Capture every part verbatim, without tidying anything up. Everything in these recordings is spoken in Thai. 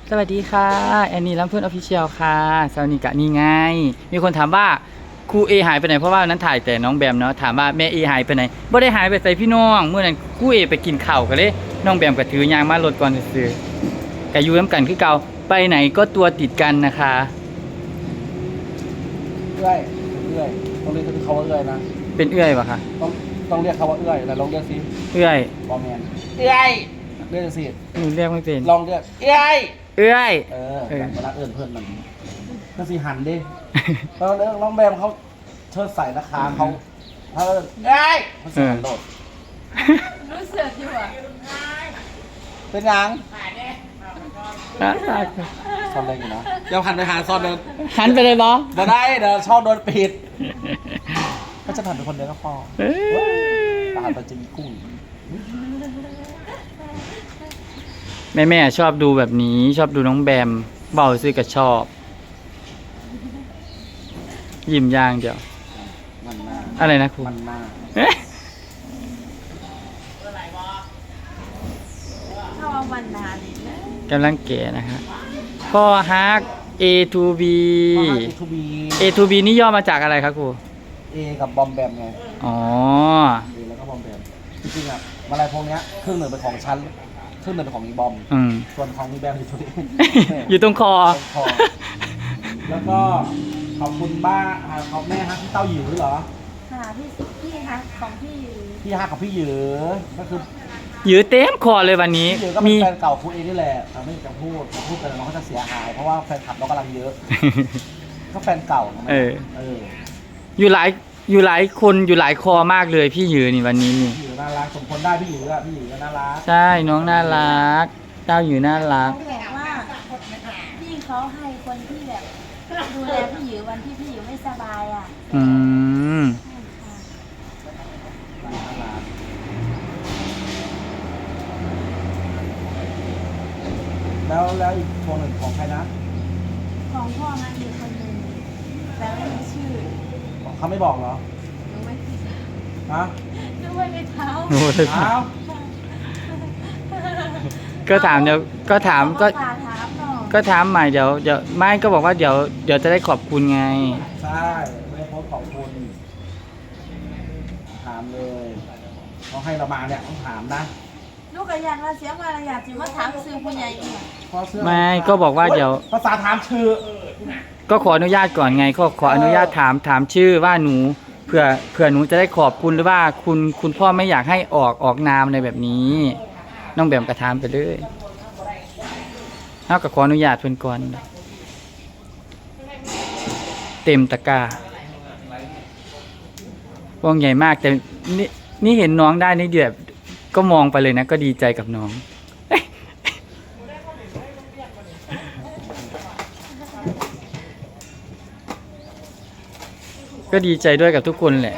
สวัสดีค่ะแอนนี่ลำเพื่อนออฟฟิเชียลค่ะสวัสดีกะนี่ไงมีคนถามว่าครูเอหายไปไหนเพราะว่านั้นถ่ายแต่น้องแบมเนาะถามว่าแม่เอหายไปไหนบ่ได้หายไปใส่พี่น้องเมื่อนั้นครูเอไปกินข้าวกันเลยน้องแบมก็ถือยางมารถก่อนซื้อกะอยู่น้ำกันคือเก่าไปไหนก็ตัวติดกันนะคะเอื้อยเอื้อยต้องเรียกเขาว่าเอื้อยนะเป็นเอื้อยปะคะต้องต้องเรียกเขาว่าเอื้อยแต่ลองเรียกสิเอื้อยบอแมนเอื้อยเรียกสิหนูเรียกไม่เป็นลองเรียกเอื้อยเอื้อยเออเออแบบเวลาเอื้อนเพื่อนมันก็สิหันดิแล้วเรื่องน้องแบมเขาเชิดใส่ราคาเขาถ้าเอื้อยเขาเสียงโดดรู้สึกอยู่อ่ะเป็นยังอ่ะตายซอนเล่นอยู่นะเดี๋ยวหันไปหาซอนเดินหันไปเลยบอมาได้เดี๋ยวช่องโดนปิดก็จะหันไปคนเดียวก็พอเอ้ยตามันจะมีกุ้งแม่แม่ชอบดูแบบนี้ชอบดูน้องแบมเบาซื้อกับชอบ ยิ้มย่างเดียวมันหน้าอะไรนะครูมันหน้าเอ๊ะเข้าเอาวันนานเลยนะกำลังเก๋นะฮะพ่อฮัก A to B เอทูบี A to B นี่ย่อมาจากอะไรครับครูเอกับบอมแบมไงอ๋อเอแล้วก็บอมแบมจริงๆอ่ะอะไรพวกเนี้ยครึ่งหนึ่งเป็นของฉันครึ่งหนึ่งเป็นของอีบอมอืมส่วนของอีแบมอยู่ตรงนี้อยู่ตรงคอตรงคอแล้วก็ขอบคุณบ้าอ่าขอบแม่ฮักพี่เต้าหยิวด้วยเหรอค่ะพี่พี่คะของพี่พี่ฮักกับพี่หยือก็คือยื้อเต็มคอเลยวันนี้พี่หยือก็เป็มีนแฟนเก่าคุณเอนี่แหละอ่ะไม่จะพูดจะพูดกันแล้วน้องเขาจะเสียหายเพราะว่าแฟนคลับน้องกำลังเยอะ ก็แฟนเก่านะเออเอออยู่หลายอยู่หลายคนอยู่หลายคอมากเลยพี่ยื้อนี่วันนี้นี่พี่หยือน่ารักสมควรได้พี่หยืออ่ะพี่หยือก็น่ารักใช่น้องน่ารัก เจ้าอยู่น่ารักเขาบอกว่าพี่เขาให้คนที่แบบดูแลพี่หยิววันที่พี่หยิวไม่สบายอ่ะอืมน่ารักแล้วแล้วอีกคนหนึ่งของใครนะของพ่อมันมีคนหนึ่งแต่ไม่มีชื่อเขาไม่บอกเหรอหนูไม่ฮะหนูไม่ได้เท้าโอ้ยอ้าวก็ถามเดี๋ยวก็ถามก็ฝากถามหน่อยก็ถามใหม่เดี๋ยวเดี๋ยวไม่ก็บอกว่าเดี๋ยวเดี๋ยวจะได้ขอบคุณไงใช่ไม่ได้โพสต์ขอบคุณถามเลยเขาให้เรามาเนี่ยต้องถามนะลูกกระยันมาเสียมาระยะจิมาถามซื้อผู้ใหญ่อีกเพราะเสื้อไม่ก็บอกว่าเดี๋ยวภาษาถามชื่อก็ขออนุญาตก่อนไงก็ขออนุญาตถามถามชื่อว่าหนูเผื่อเผื่อหนูจะได้ขอบคุณหรือว่าคุณคุณพ่อไม่อยากให้ออกออกนามอะไรแบบนี้ น้องแบมกระทามไปเลยเอากับขออนุญาตเพื่อนก่อนเต็มตะกร้าวงใหญ่มากแต่นี่นี่เห็นน้องได้นี่เดือดก็มองไปเลยนะ ก็ดีใจกับน้อง ก็ดีใจด้วยกับทุกคนแหละ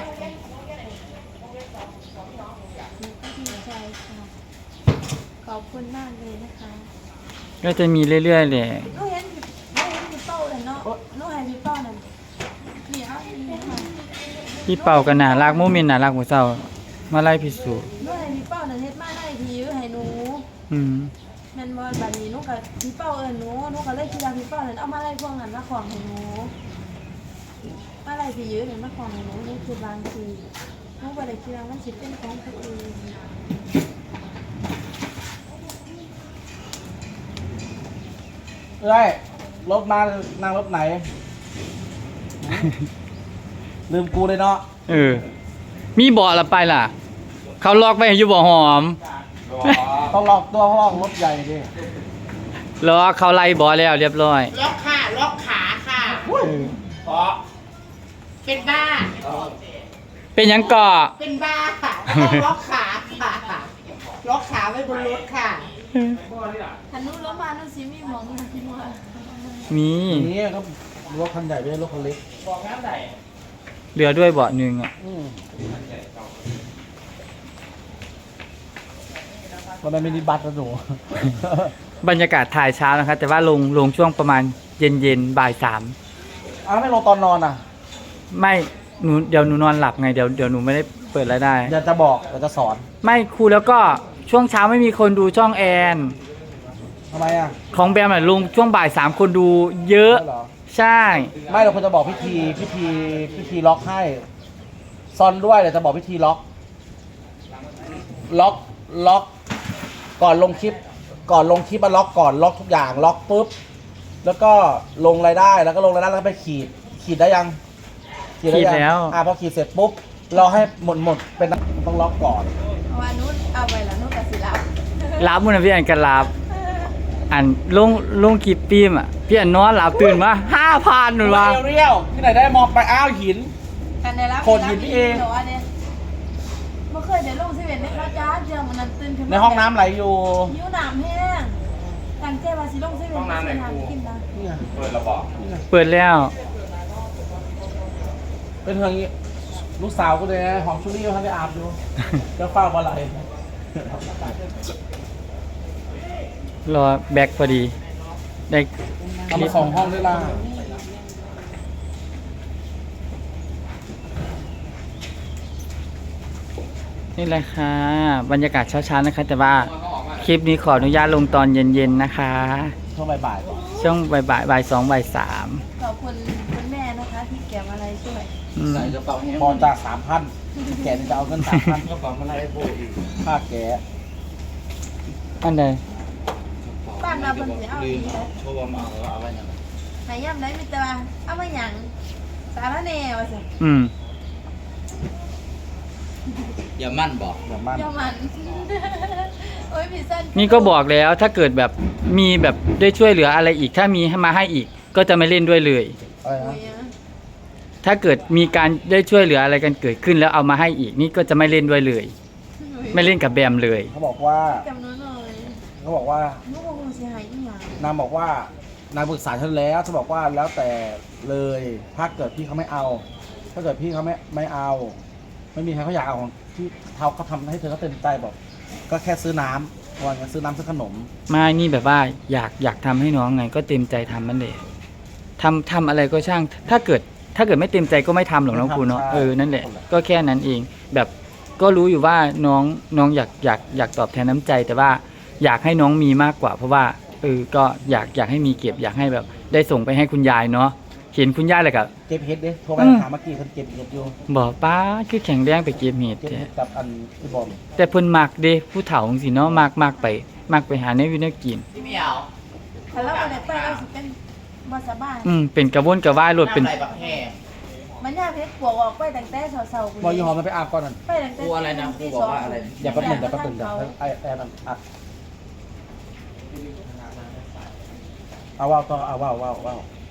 ดีใจค่ะขอบคุณมากเลยนะคะก็จะมีเรื่อยๆแหละลูกเห็นลูกเห็นพี่เป้าเลยเนาะลูกเห็นพี่เป้านั่นนี่เอาอีกค่ะพี่เป่ากันน่ารักโมเมนต์น่ารักหัวเศร้ามาไล่พิสูจน์ลูกเห็นพี่เป้านั่นเฮ็ดมาให้พี่ให้หนูอืมแม่นบ่บัดนี้หนูก็พี่เป้าเอิ้นหนูหนูก็เลยคิดว่าพี่เป้านั่นเอามาไล่พวกนั้นมาของให้หนูมาไล่พี่ยื้อนั่นมาของให้หนูนี่คือบางทีหนูบ่ได้คิดว่ามันสิเป็นของผู้อื่นเอ้ยรถมานั่งรถไหน ลืมกูเลยเนาะเออ มีบ่อละไปล่ะ เขาล็อกไว้ให้อยู่บ่อหอมต้องล็อกตัวเพราะว่ารถใหญ่ดิล็อกเขาไล่บ่อแล้วเรียบร้อยล็อกค่ะล็อกขาค่ะ เพราะเป็นบ้าเป็นหยังก่อเป็นบ้าค่ะต้องล็อกขาค่ะ ล็อกขาไว้บนรถค่ะคันหนูลงมาหนูสิมีหมองอยู่ที่ว่ามีนี่ก็รถคันใหญ่ไม่ใช่รถคันเล็กเหลือด้วยเบาะหนึ่งอ่ะอืมวันนั้นมินิบัสนะหนูบรรยากาศถ่ายเช้านะครับ แต่ว่าลงลงช่วงประมาณเย็นเย็นๆบ่ายสามอ้าวไม่ลงตอนนอนอ่ะไม่หนูเดี๋ยวหนูนอนหลับไงเดี๋ยวเดี๋ยวหนูไม่ได้เปิดรายได้เดี๋ยวจะบอกเดี๋ยวจะสอนไม่ครูแล้วก็ช่วงเช้าไม่มีคนดูช่องแอนอทำไมอ่ะของแบมน่ะลงช่วงบ่ายสามคนดูเยอะใช่เหรอใช่ไม่เราควรจะบอกพิธีพิธีพิธีล็อกให้ซอนด้วยเดี๋ยวจะบอกพิธีล็อก ล็อกล็อก ก่อนลงคลิป ก่อนลงคลิปมาล็อกก่อนล็อกทุกอย่างล็อกปุ๊บแล้วก็ลงรายได้แล้วก็ลงรายได้แล้วก็ไปขีด ขีดได้ยังได้ยังอ่าพอขีดเสร็จปุ๊บเราให้หมดหมดเป็นต้องล็อกก่อนเพราะว่านู้นเอาไปแล้วนู้นก็สิรับรับมุนนะพี่อันกันรับอันลงลงคลิปปีมอ่ะพี่อันนอนหลับตื่นมาห้าพันหนูว่าเรียวๆที่ไหนได้มองไปอ้าวหินกันได้รับโคตรหินพี่เองหรเนี่ยเมื่อเคยเดี๋ยวลงสิเวนในข้าวจ้าเจียงมันนั่นตื่นขึ้นมาในห้องน้ำไหลอยู่ยิ้วน้ำแห้งตั้งใจว่าสิลงสิเวนห้องน้ำไหนกูกินนะนี่ไงเปิดแล้วเป็นเธออย่างงี้ลูกสาวกูเลยนะหอมชุลี่เขาไปอาบอยู่เจ้าเฝ้ามาไหลรอแบ็คพอดีได้คเอาลิมาปสองห้องได้ล่ะนี่แหละค่ะบรรยากาศเช้าๆนะคะ แต่ว่าคลิปนี้ขออนุญาตลงตอนเย็นๆนะคะช่วงบ่ายๆก่อนช่วงบ่ายบ่ายบ่ายสองบ่ายสามขอบคุณคุณแม่นะคะที่เก็บอะไรช่วยอืมพอจากสามพันแกนี่จะเอาเงินสามพันก็ฟังมาไล่โบอีกค่าแกอันใดบ้านเราเป็นสีเอาดีเลยโชว์มาเอาไว้ยังไหนย่ำได้มีแต่ว่าเอามาหยังสารแนวสิอืมอย่ามั่นบอกแบบมันยอมัน โอ้ยพี่สั้นนี่ก็บอกแล้วถ้าเกิดแบบมีแบบได้ช่วยเหลืออะไรอีก ถ้ามีให้มาให้อีก ก็จะไม่เล่นด้วยเลยอะไรโอ้นะยอะถ้าเกิดมีการได้ช่วยเหลืออะไรกันเกิดขึ้นแล้วเอามาให้อีก นี่ก็จะไม่เล่นด้วยเลย ไม่เล่นกับแบมเลยเขาบอกว่าจำนวนหน่อยเขาบอกว่าลูกคงเสียหายอีหยังนางบอกว่านางปรึกษาฉันแล้วฉันบอกว่าแล้วแต่เลยถ้าเกิดพี่เขาไม่เอา ถ้าเกิดพี่เขาไม่ไม่เอา ไม่มีใครเขาอยากเอาของที่เขาเขาทำให้เธอเขาเต็มใจบอก ก็แค่ซื้อน้ำวันนี้ซื้อน้ำซื้อขนมไม่นี่แบบว่าอยากอยากทำให้น้องไง ก็เต็มใจทำมันเลยทำทำอะไรก็ช่าง ถ้าเกิดถ้าเกิดไม่เต็มใจก็ไม่ทำหรอกน้องครูเนาะเออนั่นแหละก็แค่นั้นเอง แบบก็รู้อยู่ว่าน้องน้องอยากอยากอยากตอบแทนน้ำใจ แต่ว่าอยากให้น้องมีมากกว่า เพราะว่าเออก็อยากอยากให้มีเก็บ อยากให้แบบ ได้ส่งไปให้คุณยายเนาะเห็นคุณยายเลยกับเก็บเห็ดเด้โทรไปอืมถามเมื่อกี้คนเก็บเห็ดอยู่บอกป้าคือแข็งแรงไปเก็บเห็ดเก็บแท้เห็ดกับอันที่บอมแต่เพิ่นมักเด้ผู้เฒ่าจังซี่เนาะมักมักไปมักไปหาในวินากินที่ไม่เอาถ้าเราไปได้ไปเราสิเป็นบอสบ้านอืมเป็นกระวนกระวายรถเป็นน้ำลายบักแห้งมันยากเพชรปวกออกไปตั้งแต่เสาๆบอยยี่ห้อมันไปอาบก่อนนั่นไปตั้งแต่กลัวอะไรนะกลัวบอกว่าอะไรนะอย่าแป๊บหนึงอย่าแป๊บหนึงเดี๋ยวไอ้ไอ้นั่นอัดเอาว่าวต่อเอาว่าวว่าวว่าว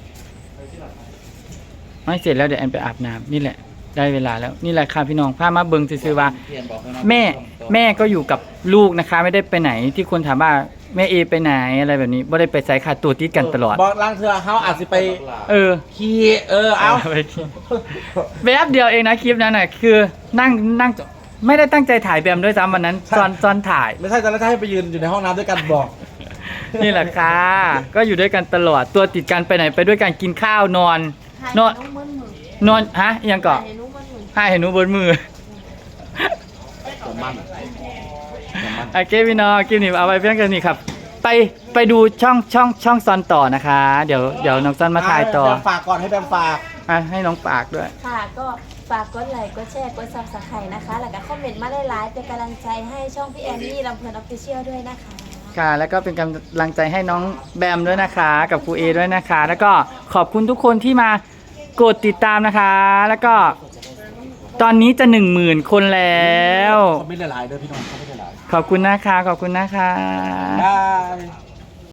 ไม่เสร็จแล้วเดี๋ยวแอนไปอาบน้ำนี่แหละ ได้เวลาแล้วนี่แหละค่ะพี่น้องพามาเบิ่งซื่อๆว่าเพียนบอกให้น้องแม่ตรงๆแม่ก็อยู่กับลูกนะคะ ไม่ได้ไปไหนที่คนถามว่าแม่เอไปไหนอะไรแบบนี้ไม่ได้ไปใส่ขาดตัวติดกันตลอดบอกล้างเธอเขาอาจจะไปเออขี่เออเอาไปที่แวบเดียวเองนะคลิปนั้นน่ะคือนั่งนั่งไม่ได้ตั้งใจถ่ายแบมด้วยซ้ำวันนั้นซ้อนซ้อนถ่ายไม่ใช่ตอนแรกจะให้ไปยืนอยู่ในห้องน้ำด้วยกันบอกนี่แหละค่ะ ก็อยู่ด้วยกันตลอด ตัวติดกันไปไหนไปด้วยกันกินข้าวนอน นอนนุ่มมันมือนอนฮะอิหยังเกาะนุ่มมันมือให้เห็นหนูบนมือจะมั่นจะมั่นโอเคพี่น้องคลิปนี้เอาไว้เพียงแค่นี้ครับ ไปไปดูช่องช่องช่องซอนต่อนะคะ เดี๋ยวเดี๋ยวน้องซอนมาถ่ายต่อแบมฝากก่อนให้แบมฝากอ่ะให้น้องปากด้วยค่ะก็ฝากกดไลค์กดแชร์กดซับสไครต์นะคะ แล้วก็คอมเมนต์มาได้ไลฟ์เป็นกำลังใจให้ช่องพี่แอนนี่ลำเพลินออฟฟิเชียลด้วยนะคะค่ะ แล้วก็เป็นกำลังใจให้น้องแบมด้วยนะคะ กับครูเอด้วยนะคะ แล้วก็ขอบคุณทุกคนที่มากดติดตามนะคะ แล้วก็ตอนนี้จะหนึ่งหมื่นคนแล้วเขาไม่ได้หลายเด้อพี่น้องเขาไม่ได้หลายขอบคุณนะคะ ขอบคุณนะคะบาย